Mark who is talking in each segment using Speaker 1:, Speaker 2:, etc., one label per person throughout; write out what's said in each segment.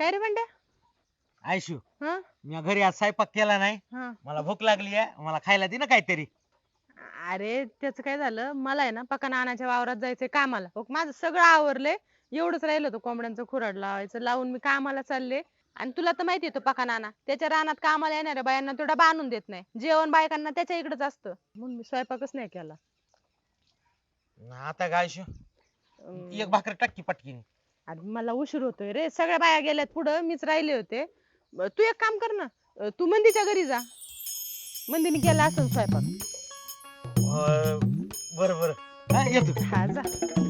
Speaker 1: काय रे बंड्या?
Speaker 2: आयशू
Speaker 1: हा
Speaker 2: मी घरी आज स्वयंपाक केला नाही.
Speaker 1: हा.
Speaker 2: मला भूक लागली आहे, मला खायला दे ना काहीतरी.
Speaker 1: अरे त्याचं काय झालं, मला आहे ना पका नानाच्या वावरात जायचंय कामाला. हो, माझं सगळं आवरलंय, एवढंच राहिलं होतं कोंबड्यांचं खुराड लावायचं. लावून मी कामाला चालले. आणि तुला तर माहिती आहे तो पका नाना त्याच्या रानात कामाला येणाऱ्या बायांना तो डबा आणून देत नाही. जेवण बायकांना त्याच्या इकडेच असतं, म्हणून मी स्वयंपाकच नाही केला.
Speaker 2: आता काय आयशू, एक भाकर टाकी पटकीने.
Speaker 1: अरे मला उशीर होतोय रे, सगळ्या बाया गेल्यात पुढं, मीच राहिले होते. तू एक काम कर ना, तू मंदीच्या घरी जा, मंदीने केला असं स्वयंपाक.
Speaker 2: बर बर येतो.
Speaker 1: हा जा.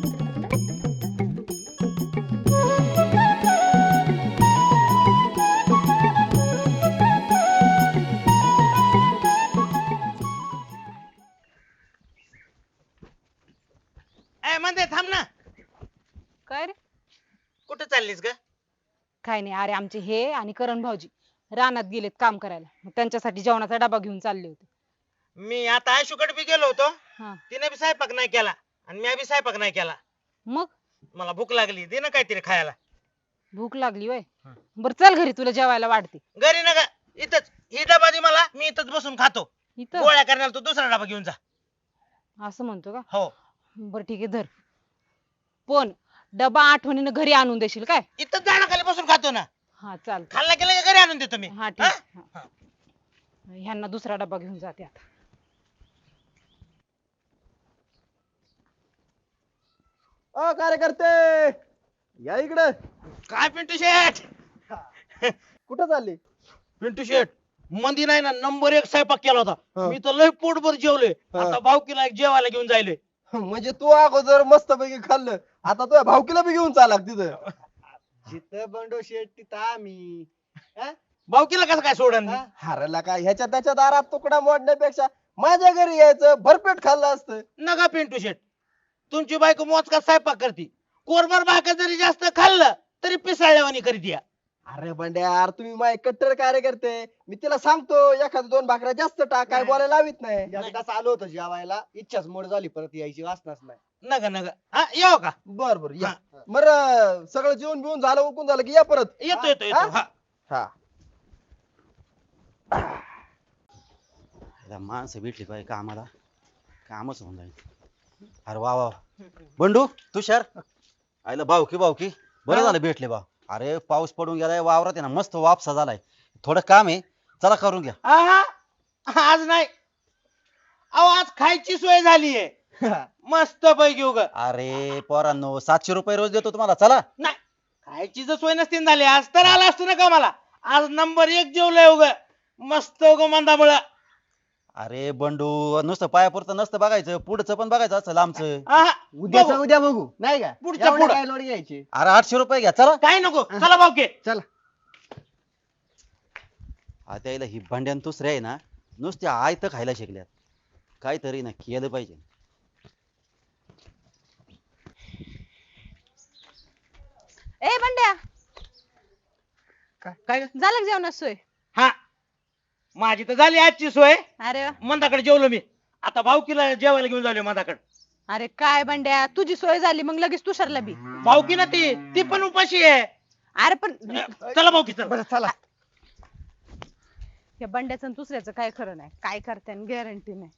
Speaker 2: ए म्हणते थांब ना.
Speaker 1: काय रे?
Speaker 2: कुठे चाललीस ग?
Speaker 3: काय नाही, अरे आमचे हे आणि करण भाऊजी रानात गेलेत काम करायला, मग त्यांच्यासाठी जेवणाचा डबा घेऊन चालले होते.
Speaker 2: मी आता आयशूकडे बी गेलो होतो.
Speaker 3: हा.
Speaker 2: तिने बी स्वयंपाक नाही केला आणि मी बी स्वयंपाक नाही केला.
Speaker 3: मग
Speaker 2: मला भूक लागली, दे ना काहीतरी खायला.
Speaker 3: भूक लागली वय?
Speaker 2: हा.
Speaker 3: बर चल घरी, तुला जेवायला वाढते.
Speaker 2: घरी ना ग, इथंच ही डबा दे मला, मी इथंच बसून खातो.
Speaker 3: इथं
Speaker 2: गोळ्या करण्याला तू दुसरा डबा घेऊन जा.
Speaker 3: असं म्हणतो का?
Speaker 2: हो
Speaker 3: बर ठीक आहे, धर. पण डबा आठवणीनं घरी आणून देशील काय?
Speaker 2: इथंच झाडाखाली बसून खातो ना.
Speaker 3: हा चाल.
Speaker 2: खाल्ला गेला की घरी आणून देतो मी.
Speaker 3: हा
Speaker 2: हा?
Speaker 3: ठीक. हा. ह्यांना दुसरा डबा घेऊन जाते आता.
Speaker 4: अ कार्यकर्ते या इकडे.
Speaker 2: काय पिंटू शेठ?
Speaker 4: कुठं चालली?
Speaker 2: पिंटू शेठ मंदी नाही ना, नंबर 1 स्वयंपाक केला होता.
Speaker 4: हा.
Speaker 2: मी तर लय पोटभर जेवलोय.
Speaker 4: हा.
Speaker 2: आता भावकीला जेवायला घेऊन जायलोय.
Speaker 4: म्हणजे तू अगोदर मस्त पैकी खाल्लं, आता तुझ्या भावकीला बी घेऊन चालाक तिथं. जिथं बंडो शेट तिथं आम्ही.
Speaker 2: भावकीला कसं काय सोडन मी?
Speaker 4: हरला काय ह्याच्या त्याच्या दारात तुकडा मोडण्यापेक्षा माझ्या घरी यायचं, भरपेट खाल्लं असतं.
Speaker 2: नका पिंटू शेठ, तुमची बायको मोजका स्वयंपाक करते. कोरभर भाकर जरी जास्त खाल्लं तरी पिसाळल्यावानी करते या.
Speaker 4: अरे बंड्या यार, तुम्ही माझे कट्टर कार्यकर्ते. मी तिला सांगतो एखाद 2 भाकऱ्या जास्त टाक, काय बोलायला लावित नाही.
Speaker 2: एकदाच
Speaker 4: आलो होतो जेवायला, इच्छाच मोड झाली, परत यायची वासनाच नाही.
Speaker 2: नका नका, हा येऊ का?
Speaker 4: बर बर या. बरं सगळं जेवण बिवून झालं, उकून झालं की या परत.
Speaker 2: येतो येतो येतो. हा.
Speaker 4: हा.
Speaker 5: आता माणसं भेटली पाहिजे कामाला, कामच होऊन जाईल. अरे वा वा बंडू तुषार, आईला भावकी भावकी बरं झालं भेटले बा. अरे पाऊस पडून गेलाय, वावरात आहे ना मस्त वापसा झालाय, थोडं काम आहे, चला करून घ्या.
Speaker 2: आहा, आज नाही, अहो आज खायची सोय झालीये मस्त पैकी उग.
Speaker 5: अरे पोरांनो 700 रुपये रोज देतो तुम्हाला, चला.
Speaker 2: नाही, खायची जर सोय नसती झाली आज तर आला असतो ना कामाला. आज नंबर 1 जेवलंय उग, मस्त उग मंदामुळं.
Speaker 5: अरे बंडू नुसतं पायापुरतं नसतं बघायचं, पुढचं पण बघायचं असं लांबचं.
Speaker 2: आहा,
Speaker 4: उद्याच
Speaker 2: बघू.
Speaker 4: उद्या बघू नाही का?
Speaker 2: पुढच्या
Speaker 4: एवढे
Speaker 2: पुढं.
Speaker 4: काय लोड घ्यायची.
Speaker 5: अरे 800 रुपये घ्या, चला.
Speaker 2: काय नको, चला भाऊके.
Speaker 4: चला.
Speaker 5: आता यायला ही भांड्यान दुसरे आहे ना, नुसते आयत खायला शिकल्यात, काहीतरी ना केलं पाहिजे.
Speaker 1: ए बंड्या,
Speaker 2: काय
Speaker 1: झालं का जेवणाची सोय?
Speaker 2: हा, माझी तर झाली आजची सोय.
Speaker 1: अरे वा.
Speaker 2: मंदाकडे जेवलो मी, आता भाऊकीला जेवायला घेऊन जालो मंदाकडे.
Speaker 1: अरे काय बंड्या, तुझी सोय झाली मग लगेच तुषारला बी.
Speaker 2: भाऊकी ना ती पण उपाशी आहे.
Speaker 1: अरे पण
Speaker 2: चला भाऊकी चला.
Speaker 4: बरं चला.
Speaker 1: या बंड्याचं आणि दुसऱ्याचं काय खरं नाही, काय करते गॅरंटी नाही.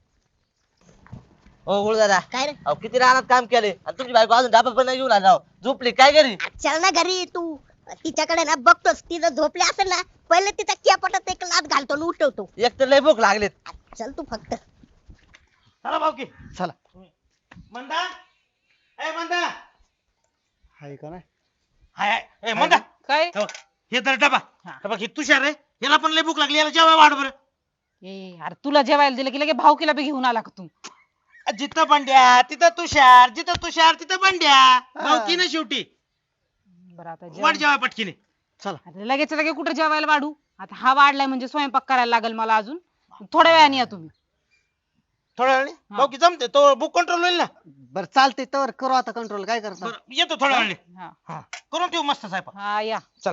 Speaker 6: हो गुरु दादा,
Speaker 7: काय रे?
Speaker 6: अहो किती रानात काम केले आणि तुमची बायको अजून डाबा पण नाही घेऊन आला. झोपली काय घरी?
Speaker 7: चल ना घरी, तू तिच्याकडे ना बघतोस, तिथं झोपली असेल ना, पहिले तिच्या केपटात एक लात घालतो आणि उठवतो.
Speaker 6: एक तर लय भूक लागलेत.
Speaker 7: चल तू फक्त.
Speaker 2: चला भाऊकी
Speaker 4: चला.
Speaker 2: मंदा, ए मंदा,
Speaker 4: हाय का नाही?
Speaker 2: हाय हाय, ए मंदा,
Speaker 3: काय?
Speaker 2: हे बघ, हे तर डबा.
Speaker 3: हा.
Speaker 2: हे बघ, हे तुषार आहे, याला पण लय भूक लागली, याला जेवाय वाढ बरं.
Speaker 3: ए अरे तुला जेवायला दिलं की लगे भावकीला बी घेऊन आला का तू?
Speaker 2: जिथं बंड्या तिथं तुषार, जिथं तुषार तिथं बंड्या. भाऊकी ना शेवटी.
Speaker 3: बरं आता
Speaker 2: वाढ
Speaker 3: जेवण.
Speaker 2: जेवाय पटकीने.
Speaker 3: अरे लगेच लगे कुठे जेवायला वाढू? आता हा वाढलाय म्हणजे स्वयंपाक करायला लागेल मला अजून. थोड्या वेळाने या तुम्ही.
Speaker 2: थोड्या वेळाने भाऊकी जमते तो बुक कंट्रोल होईल ना.
Speaker 4: बर चालते, तर करू आता कंट्रोल. काय करता?
Speaker 2: बरं, येतो थोड्या वेळाने.
Speaker 3: हा
Speaker 2: करून ठेवू मस्त साहेब.
Speaker 3: हा या.
Speaker 2: चला.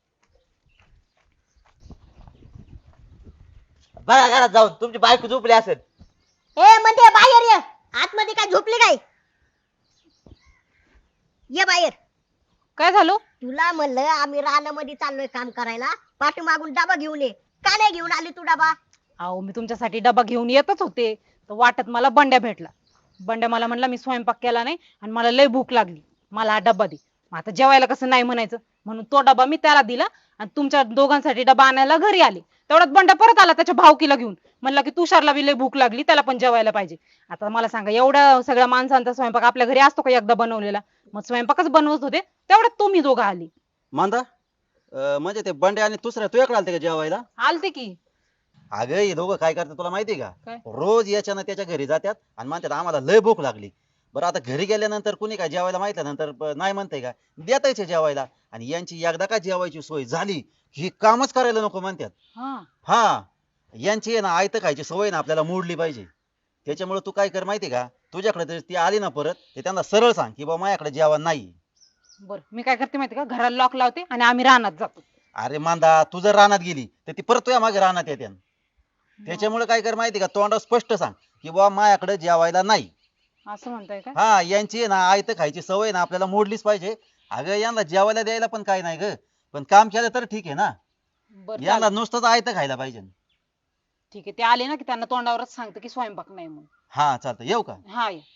Speaker 6: बघा घरात जाऊन तुमची बायको झोपली असेल.
Speaker 7: ए म्हणजे बाहेर ये, आतमध्ये काय झोपली काय? ये बाहेर.
Speaker 3: काय झालं
Speaker 7: तुला म्हणलं आम्ही रानामध्ये चाललोय काम करायला, पाठीमागून डबा घेऊन ये. का नाही घेऊन आली तू डबा?
Speaker 3: अहो मी तुमच्यासाठी डबा घेऊन येतच होते तर वाटत मला बंड्या भेटला. बंड्या मला म्हणला मी स्वयंपाक केला नाही आणि मला लय भूक लागली, मला हा डबा दे. मग आता जेवायला कसं नाही म्हणायचं, म्हणून तो डबा मी त्याला दिला आणि तुमच्या दोघांसाठी डबा आणायला घरी आले. तेवढ्यात बंड्या परत आला त्याच्या भावकीला घेऊन, म्हणला की तुषारला बी लय भूक लागली, त्याला पण जेवायला पाहिजे. आता मला सांगा, एवढ्या सगळ्या माणसांचा स्वयंपाक आपल्या घरी असतो का एकदा बनवलेला? मग स्वयंपाकच बनवत होते तेवढ्यात तुम्ही दोघं आली.
Speaker 5: मांदा म्हणजे ते बंडे आणि दुसऱ्या तुझ्याकडे आलते का जेवायला?
Speaker 3: आलते की.
Speaker 5: अगं हे दोघं काय करतात तुला माहिती का?
Speaker 3: काय?
Speaker 5: रोज याच्यानं त्याच्या घरी जातात आणि म्हणतात आम्हाला लय भूक लागली. बरं आता घरी गेल्यानंतर कुणी काय जेवायला माहितल्यानंतर नाही म्हणते का? देतायचे जेवायला. आणि यांची एकदा का जेवायची सोय झाली ही कामच करायला नको म्हणतात.
Speaker 3: हा
Speaker 5: हा यांची आहे ना आयत खायची सवय ना आपल्याला मोडली पाहिजे. त्याच्यामुळे तू काय कर माहिती का, तुझ्याकडे जर ती आली ना परत ते त्यांना सरळ सांग की बाबा माझ्याकडे जेवण नाही.
Speaker 3: बर मी काय करते माहिती का, घराला लॉक लावते आणि आम्ही रानात जातो.
Speaker 5: अरे मांदा तू जर रानात गेली तर ती परत तुझ्या मागे रानात येते. त्याच्यामुळे काय कर माहिती का, तोंडावर स्पष्ट सांग की बाबा माझ्याकडे जेवायला नाही.
Speaker 3: असं म्हणताय का?
Speaker 5: हा यांची आहे ना आयत खायची सवय ना आपल्याला मोडलीच पाहिजे. अगं यांना जेवायला द्यायला पण काय नाही ग, पण काम केलं तर ठीक आहे ना.
Speaker 3: बर
Speaker 5: यांना नुसतंच आयत खायला पाहिजे.
Speaker 3: ठीक आहे, ते आले ना की त्यांना तोंडावरच सांगते की स्वयंपाक नाही म्हणून.
Speaker 5: हा चालतं येऊ का?
Speaker 3: हा ये.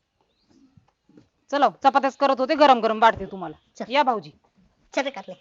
Speaker 3: चला चपात्याच करत होते, गरम गरम वाढते तुम्हाला.
Speaker 7: चल.
Speaker 3: या भाऊजी.
Speaker 7: चल काढले.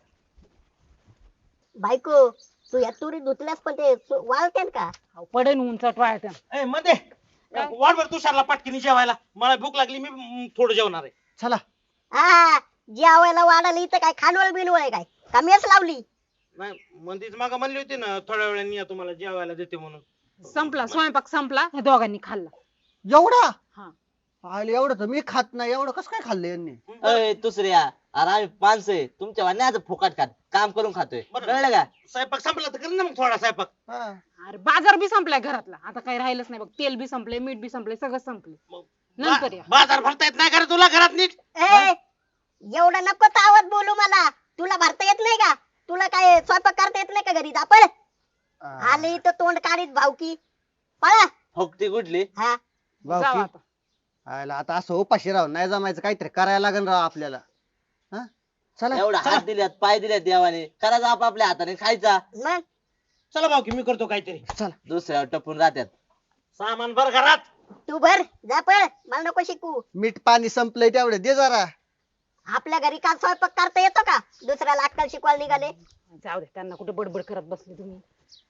Speaker 7: बायको तू या तुरी धुतल्यास पण ते वाळते का?
Speaker 3: अहो, पडेन उंचट वाळत्या.
Speaker 2: ए मध्ये वाढ तुषारला पाटकीने जेवायला, मला भूक लागली, मी थोडं जेवणार आहे.
Speaker 4: चला.
Speaker 7: हा जेवायला वाढायला इथं काय खानवळ बिनवळ आहे काय? का मेस लावली?
Speaker 2: नाही मंदीच मागा म्हणली होती ना थोड्या वेळाने या तुम्हाला जेवायला देते म्हणून.
Speaker 3: संपला स्वयंपाक संपला, हे दोघांनी खाल्ला.
Speaker 4: एवढा
Speaker 3: हा.
Speaker 4: आले एवढं तर मी खात नाही, एवढं कसं काय खाल्लं यांनी?
Speaker 6: अय दुसऱ्या, अरे आम्ही माणसं आहे तुमच्या वाण्याचं फुकट खात काम करून खातोय,
Speaker 2: बरं.
Speaker 6: कळलं का?
Speaker 2: स्वयंपाक संपला तर कर ना मग थोडा स्वयंपाक.
Speaker 4: हा.
Speaker 3: अरे बाजार बी संपलाय घरातला, आता काही राहिलंच नाही बघ. तेल बी संपले, मीठ बी संपले, सगळं संपले.
Speaker 2: मग
Speaker 3: नंतर या.
Speaker 2: बाजार भरता येत नाही का रे तुला घरात नीट?
Speaker 7: ए एवढा नको तावत बोलू मला. तुला भरता येत नाही का? तुला काय स्वयंपाक करता येत नाही का घरी? आपण आले इथं तोंड काढीत भावकी पळा.
Speaker 6: फुकटी कुठली?
Speaker 7: हा
Speaker 3: जाऊ
Speaker 4: भाऊ
Speaker 3: आता.
Speaker 4: आयला आता असं उपाशी राहून नाही जमायचं, काहीतरी करायला लागेल राव आपल्याला. हा चला
Speaker 6: एवढा
Speaker 4: चला.
Speaker 6: हात दिल्यात पाय दिल्यात देवाने, करायचा आपापल्या हाताने खायचा.
Speaker 7: मग
Speaker 2: चला भाऊ की मी करतो काहीतरी.
Speaker 6: दुसऱ्यावर टपून राहत्यात.
Speaker 2: सामान भर घरात.
Speaker 7: तू भर जा पळ, मला नको शिकू.
Speaker 4: मीठ पाणी संपलंय तेवढे दे जरा.
Speaker 7: आपल्या घरी का स्वयंपाक करता येतो का? दुसऱ्याला अक्कल शिकवायला निघाले.
Speaker 3: जाऊ दे, त्यांना कुठे बडबड करत बसले तुम्ही.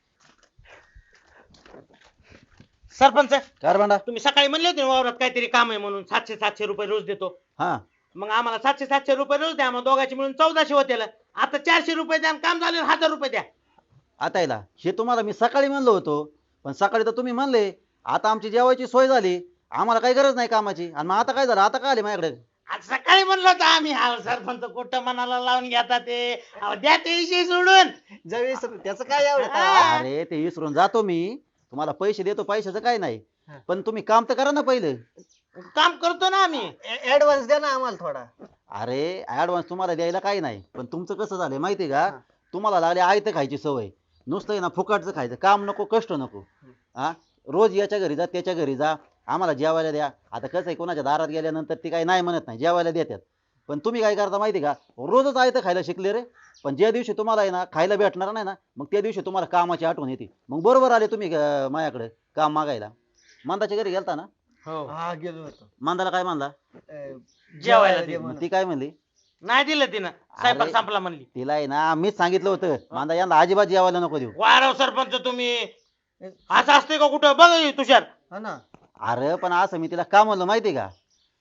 Speaker 2: सरपंच
Speaker 5: काय रे भांडा?
Speaker 2: तुम्ही सकाळी म्हणले होते ना वावरात काहीतरी काम आहे म्हणून 700 रुपये रोज देतो.
Speaker 5: हा
Speaker 2: मग आम्हाला 700 रुपये रोज द्या, मग दोघांची मिळून 1400 होते. आता 400 रुपये द्या आणि काम झाले 1000 रुपये द्या.
Speaker 5: आता याला हे तुम्हाला मी सकाळी म्हणलो होतो, पण सकाळी तर तुम्ही म्हणले आता आमची जेवायची सोय झाली, आम्हाला काही गरज नाही कामाची. आणि मग आता काय झालं, आता काय आले माझ्याकडे?
Speaker 2: आज सकाळी म्हणलं होतं आम्ही. हा सरपंच कुठं मनाला लावून घेता ते. अहो, द्या ते विषय सोडून.
Speaker 4: त्याचं काय एवढं?
Speaker 5: अरे ते विसरून जातो मी, तुम्हाला पैसे देतो, पैशाचं काय नाही, पण तुम्ही काम तर करा ना पहिले.
Speaker 2: काम करतो ना आम्ही.
Speaker 4: ऍडव्हान्स द्या ना आम्हाला थोडा.
Speaker 5: अरे ऍडव्हान्स तुम्हाला द्यायला काही नाही, पण तुमचं कसं झालंय माहितीये का, तुम्हाला लागली आयत खायची सवय. नुसतं आहे ना फुकटचं खायचं, काम नको, कष्ट नको. हा रोज याच्या घरी जा त्याच्या घरी जा, आम्हाला जेवायला द्या. आता कसं आहे, कोणाच्या दारात गेल्यानंतर ती काही नाही म्हणत नाही, जेवायला देतात. पण तुम्ही काय करता माहिती का, रोजच आयत खायला शिकले रे. पण ज्या दिवशी तुम्हाला आहे ना खायला भेटणार नाही ना, मग त्या दिवशी तुम्हाला कामाची आठवण येते. मग बरोबर आले तुम्ही माझ्याकडे काम मागायला. मांदाच्या घरी गेलता ना?
Speaker 2: हो
Speaker 4: हा गेलो होतो.
Speaker 5: मांदाला काय म्हणला?
Speaker 2: जेवायला दे
Speaker 5: मग ती काय म्हणली?
Speaker 2: नाही दिलं तिनं, स्वयंपाक
Speaker 5: अरे.
Speaker 2: संपला म्हणली.
Speaker 5: तिला आहे ना मीच सांगितलं होतं, मांदा यांना अजिबात जेवायला नको देऊ.
Speaker 2: वारव सरपंच तुम्ही. असं असते का कुठं? बघ हे तुषार.
Speaker 4: हा ना.
Speaker 5: अरे पण असं मी तिला का म्हणलं माहिती का,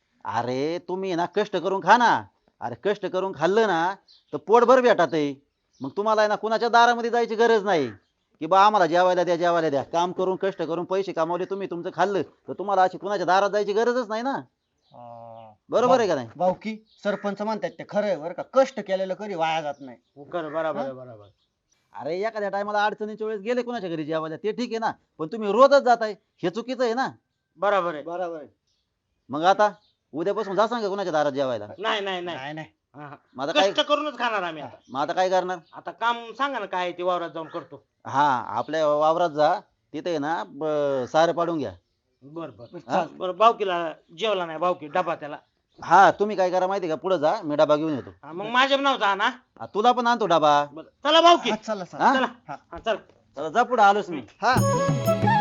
Speaker 5: अरे तुम्ही ना कष्ट करून खा ना. अरे कष्ट करून खाल्लं ना तर पोटभर भेटत आहे. मग तुम्हाला आहे ना कुणाच्या दारामध्ये जायची गरज नाही की बा आम्हाला जेवायला द्या जेवायला द्या. काम करून कष्ट करून पैसे कमावले तुम्ही, तुमचं खाल्लं, तर तुम्हाला अशी कुणाच्या दारात जायची गरजच नाही ना. बरोबर आहे का नाही?
Speaker 4: भाऊकी सरपंच म्हणतात ते खरं आहे बरं का, कष्ट केलेलं कधी वाया जात नाही.
Speaker 2: बरोबर आहे, बरोबर.
Speaker 5: अरे एखाद्या टायमाला अडचणीच्या वेळेस गेले कुणाच्या घरी जेवायला ते ठीक आहे ना, पण तुम्ही रोजच जाताय हे चुकीचं आहे ना.
Speaker 2: बरोबर आहे.
Speaker 4: बरोबर आहे.
Speaker 5: मग आता उद्यापासून जा सांगा कुणाच्या दारात जेवायला.
Speaker 2: नाही नाही नाही.
Speaker 4: नाही नाही.
Speaker 2: हा, हा.
Speaker 5: मग आता काय,
Speaker 2: कष्ट करूनच खाणार आम्ही आता.
Speaker 5: मग आता काय करणार?
Speaker 2: आता काम सांगा ना काय आहे ते, वावरात जाऊन करतो.
Speaker 5: हा आपल्या वावरात जा, तिथे आहे ना सारं पाडून घ्या.
Speaker 2: बर बर.
Speaker 5: हा?
Speaker 2: बरं भावकीला जेवला नाही, भावकी डबा त्याला
Speaker 5: हा तुम्ही काय करा माहिती का पुढे जा मी डबा घेऊन येतो
Speaker 2: हा, मग माझ्या नावचा ना
Speaker 5: तुला पण आणतो डबा
Speaker 2: चला भाऊ की
Speaker 4: हा, चला
Speaker 5: हा?
Speaker 2: चला हा, चला
Speaker 5: चला, जा पुढे आलोच मी
Speaker 4: हा